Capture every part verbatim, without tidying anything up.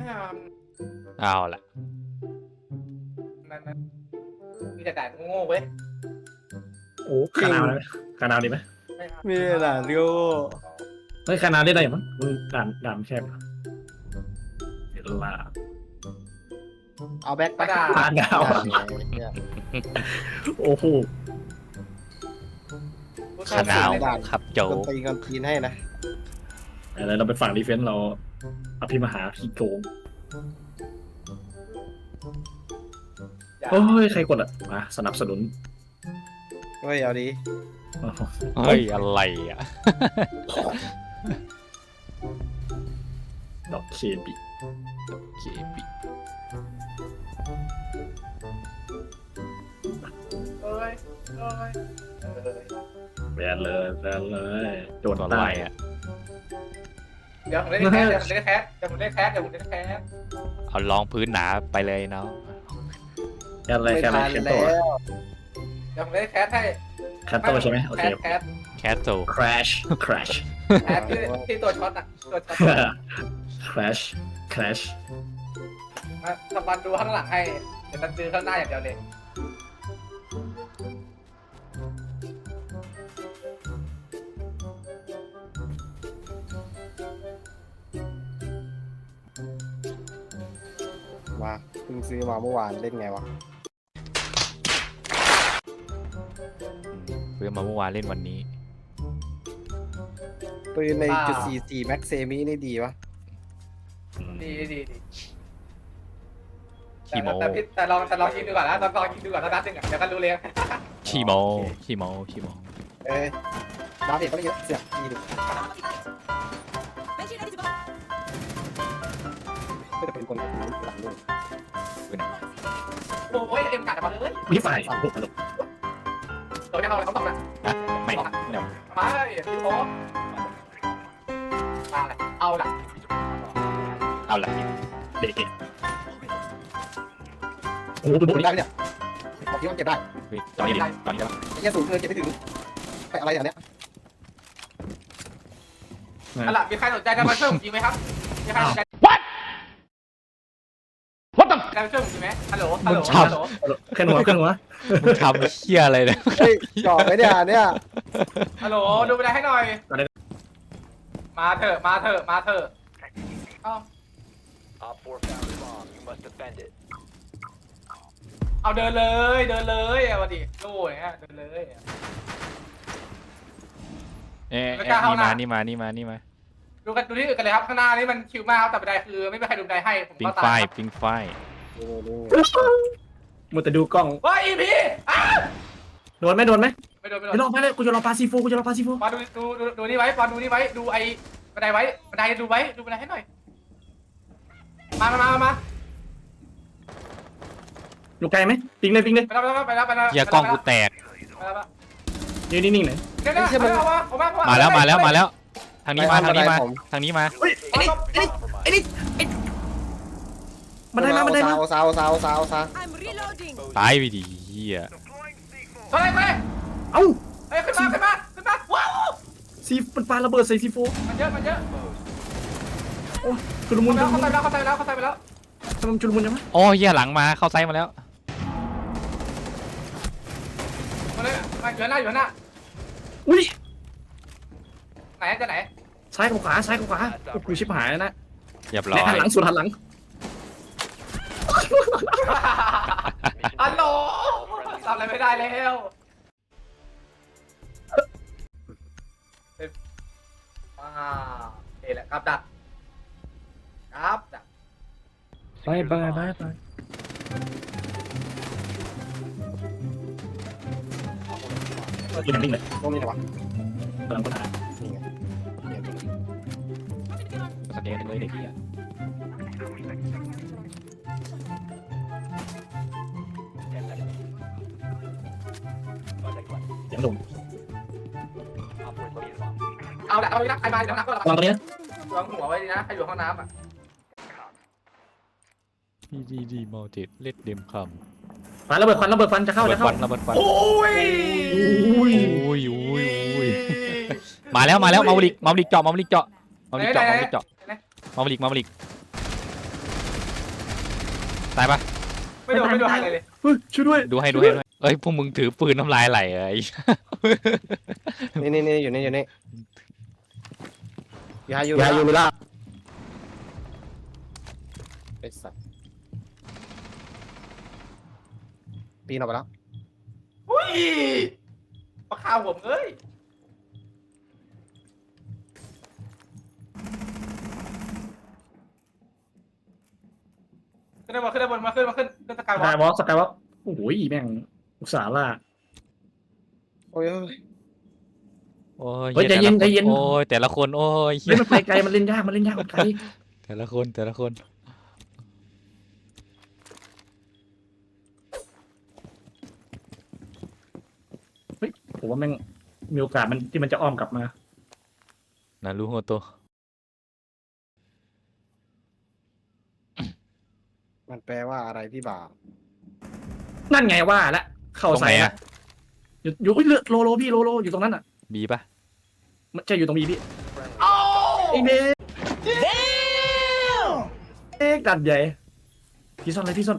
เอาละนั่นมีแต่ด่านโง่เว้ยโอ้คานาวนะคานาวดีไหมมีด่านโง่เฮ้ยคานาวได้ได้มั้งมึงด่านด่านแคบเดี๋ยวลาเอาแบ็คไปคานาวโอ้โหขนาวครับโจกตีกันทีนให้นะอะไรเราไปฝั่งดีเฟนส์เราอภิมหาขี้โกงโอ้ยใครกดอ่ะมาสนับสนุนเฮ้ยเอาดีเฮ้ยอะไรอ่ะดอกเคบิเคปิเอ้ยเอ้ยแบนเลยแบนเลยโดนตัวใต้อะไรอ่ะเดี๋ยวผมเล่นแคสเดี๋ยวผมเล่นแคสเดี๋ยวผมเล่นแคสเดี๋ยวผมเล่นแคสเอาลองพื้นหนาไปเลยเนาะแค่อะไรไม่แค่อะไรทันแค่แล้ตัววเดี๋ยวผมเล่นแคสให้แค่ตัวใช่ไหมโอแคเคสแคสแคสโซ crash crash แคสที่ที่ตัวช็อตอ่ะตัวช็อต crash crash มาทำบันดูข้างหลังให้เดี๋ยวตันซื้อข้างหน้าอย่างเดียวเลยมาเพิ่งซื้อมาเมื่อวานเล่นไงวะเพื่อมาเมื่อวานเล่นวันนี้ปืนในจุดสี่สี่แม็กเซมินี่ดีวะดีดีดีขี้โมแต่พี่แต่ลองแต่ลองยิงดูก่อนนะลองลองยิงดูก่อนแล้วนัดหนึ่งอ่ะเดี๋ยวก็รู้เลยขี้โมขี้โมขี้โมเอ้ยดาวเด็กก็ไม่เยอะเสียบดีดิก็จะเป็นคนหลังด้วยโอ้ยเอ็มกัดมาเลยนี่ฝ่ายตัวนี้เอาอะไรเขาตอบนะไม่เดี๋ยวมาเลยพี่โค้มาเลยเอาละเอาละเด็กโอ้โหเก็บได้ไหมเนี่ยบอกที่ว่าเก็บได้ตอนนี้ตอนนี้ไอ้แค่สูงเกินเก็บไม่ถึงไปอะไรอย่างเนี้ยเอาละมีใครสนใจจะมาช่วยผมจริงไหมครับมีใครสนใจ What What the จะมาช่วยผมจริงไหมฮัลโหลฮัลโหลฮัลโหลแค่หัวแค่หัวมึงทำเชี่ยอะไรเนี่ยเฮ้ยจ่อไปเนี่ยเนี่ยฮัลโหลดูไปได้ให้หน่อยมาเถอะมาเถอะมาเถอะเอาเดินเลยเดินเลยอ่ะวันดิโล่อย่างเงี้ยเดินเลยเอ๊ะนี่มานี่มานี่มานี่มาดูกันดูที่อื่นกันเลยครับข้างหน้านี่มันชิวมากแต่บันไดคือไม่มีใครดูบันไดให้ผมปิงก็ไฟตายปิงไฟมัวแต่ดูกล้องว้าอีพีอ้าโดนไหมโดนไหมไม่โดนไม่โดไม่นลองไปเลยกูจะลองปาซีฟูกูจะลองปาซีฟูมาดูดูดูดูนี่ไว้ปอนดูนี่ไว้ดูไอ้บันไดไว้บันไดดูไว้ดูบันไดให้หน่อยมามามามาอยู่ไกลไหมปิงเลยปิงเลยไปแล้วไปแล้วไปแล้วไปแล้วเหี้ยกล้องกูแตกไปแล้วยืนนิ่งๆหน่อยเดี๋ยวเดี๋ยวเอามาเอามามาแล้วมาแล้วมาแล้ว ทางนี้มาทางนี้มาทางนี้มาเฮ้ยไอ้นี่ไอ้นี่ไอ้นี่ไอ้มันได้มามันได้มาซาวซาวซาวซาวตายไปดิเฮียเฮ้ยเฮ้ยเอ้าเฮ้ยขึ้นมาขึ้นมาขึ้นมาว้าวซีมันปาระเบิดใส่ซีฟูมันเยอะมันเยอะโอ้ชุลมุนชุลเข้ามุนใจแล้วเข้าใจแล้วเข้าใจไปแล้วทำไมชุลมุนจังวะโอ้เฮียหลังมาเข้าไซส์มาแล้วมาเลยมาอยู่หน้าอยู่หน้าอุ้ยไหนจะไหนซ้ายกับขวาซ้ายกับขวากูชิบหายแล้วนะเรียบร้อยหันหลังสุดหันหลังฮัลโหลทำอะไรไม่ได้แล้วว้าวนี่แหละครับดักครับดักไปไปไปไปยืนนิ่งเลยตรงนี้ไหนวะกำลังค้นหานี่ไงสแกนเลยเด็กเฮียเสียงลมเอาละเอาละใครมาเดี๋ยวนักก็วางตรงนี้นะวางหัวไว้ดีนะใครอยู่ห้องน้ำอ่ะดีดีดีมัลติเล็ดเดมคควันระเบิดควันระเบิดควันจะำเข้าระเบิจะดเข้าฟันระเบิดฟันโอ้ยอุ้ยอุ้ยอุ้ยอุ้ยมาแล้วมาแล้วมาบลิกมาบลิกเจาะมาบลิกเจาะมาบลิกเจาะมาบลิกเจาะมาบลิกมาบลิกตายปะไม่โดนไม่โดนอะไรเลยเฮ้ยช่วยด้วยดูให้ดูให้ด้วยเอ้ยพวกมึงถือปืนน้ำลายไหลไอ้นี่นี่นี่อยู่นี่อยู่นี่ยาอยู่ยายูมิล่าไอ้สัตว์ปีนออกไปแล้วอุ้ยมาฆ่าผมเอ้ยขึ้นได้บนขึ้นได้บนมาขึ้นมาขึ้นขึ้นสกายวอสกาล์ยวอล์กสกายวอล์กโอ้โหแม่งอุตส่าห์ล่าโอ้ยโอ้ยโอ้ยเฮ้ยใจเย็นใจเย็นโอ้ยแต่ละคนโอ้ยเฮ้ยมันไปไกลมันเล่นยากมันเล่นยากมันไกลแต่ละคนแต่ละคนผมว่าแม่งมีโอกาสมันที่มันจะอ้อมกลับมานารูโฮโตะมันแปลว่าอะไรพี่บ่าวนั่นไงว่าละเข้าตรงใส่ไหนละอะอยู่อยู่เฮ้ยเลือดโลโลพี่โลโลอยู่ตรงนั้นอ่ะบีปะมันจะอยู่ตรงบีพี่เอ้าไอ้เด็กเด็กดัดใหญ่พี่ซ่อนเลยพี่ซ่อน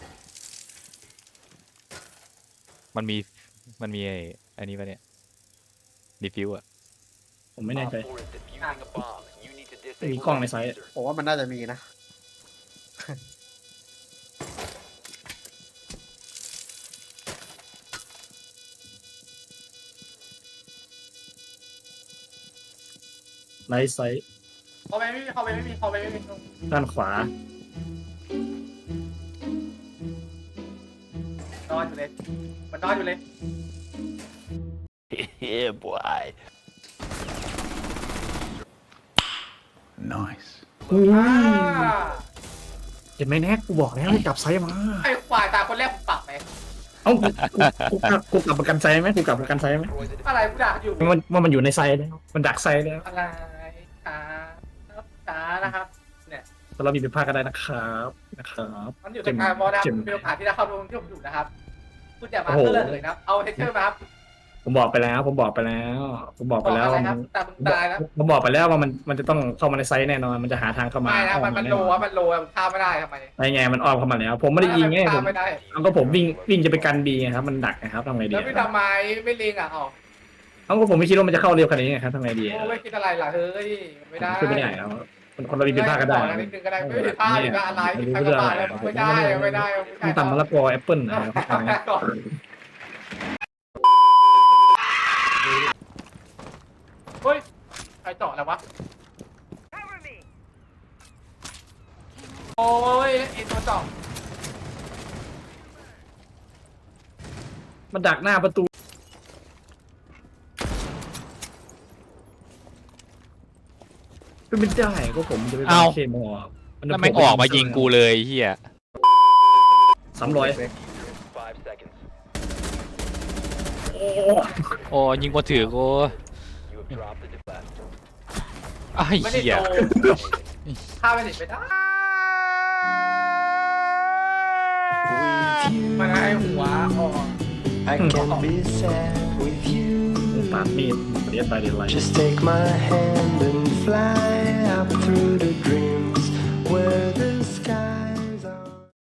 มันมีมันมีไอ้อันนี้ปะเนี่ยดีฟิวอะผมไม่แน่ใจมีกล้องในไซต์ผมว่ามันน่าจะมีนะในไซต์เข้าไปไม่มีเข้าไปไม่มีเข้าไปไม่มีด้านขวานอนอยู่เลยมันนอนอยู่เลย Yeah, boy. Nice. อู้อ่าเห็นไหมแน็กกูบอกแล้วให้กลับไซต์มาไอ้ควายตาคนแรกผมปรับไหมเอ้ากูกูกลับกูกลับประกันไซต์ไหมกูกลับประกันไซต์ไหมอะไรกูด่าอยู่มันว่ามันอยู่ในไซต์แล้วมันดักไซต์แล้วอะไรช้าช้านะครับแต่เรามีผิดพลาดก็ได้นะครับนะครับมันอยู่ตรงกลางบอลนะครับมีโอกาสที่จะเข้าตรงที่ผมอยู่นะครับคุณอย่ามาโอ้โหเลื่อนเลยนะเอาเทเชอร์มาครับผมบอกไปแล้ว ผมบอกไปแล้ว ผมบอกไปแล้วอะไรว่าคมัรับนแต่มึงตายแล้วผมบอกไปแล้วว่ามันมันจะต้องเข้ามาในไซต์แน่นอนมันจะหาทางเข้ามาไม่นะมันมันโลอ้ออะมันโลอะมันฆ่าไม่ได้ทำไมไงไงมันอ้อมเข้ามาแล้ว ผมไม่ได้ยิงไงผฆ่าม ไม่ได้เอาก็ผมวิ่งวิ่งจะไปกันบีไงครับมันดักนะครับทำไงดีแล้วพี่ทำไมไม่ลิงอ่ะอ๋อเอาก็ผมไม่คิดว่ามันจะเข้าเร็วขนาดนี้ไงครับทำไงดีโอ้ไม่คิดอะไรล่ะเฮ้ยไม่ได้ขึ้นไม่ได้แล้วคนคนเรามีผิดพลาดก็ได้นิดนึงก็ได้ไม่ผิดพลาดหรืออะไรผิดพลาดก็ได้ไม่ได้ไม่ได้มันต่ำมะละกอแอปเปิ้ลนะครับเฮ้ยใครเจาะแล้ววะโอ้ยไอตัวเจาะมันดักหน้าประตูเป็นไม่ได้ก็ผมจะไปเป็นเคมอลแล้วแม่งออกมายิงกูเลยเฮียสามร้อย โอ้โอ้ยิงมาถือกูไอ้ไม่ได้เหี้ยโตฆ่าไปสิไม่ได้มันให้หัวออก I can be sad with you. ปาดมีดเรียนไปเรียนไร Just take my hand and fly up through the dreams where the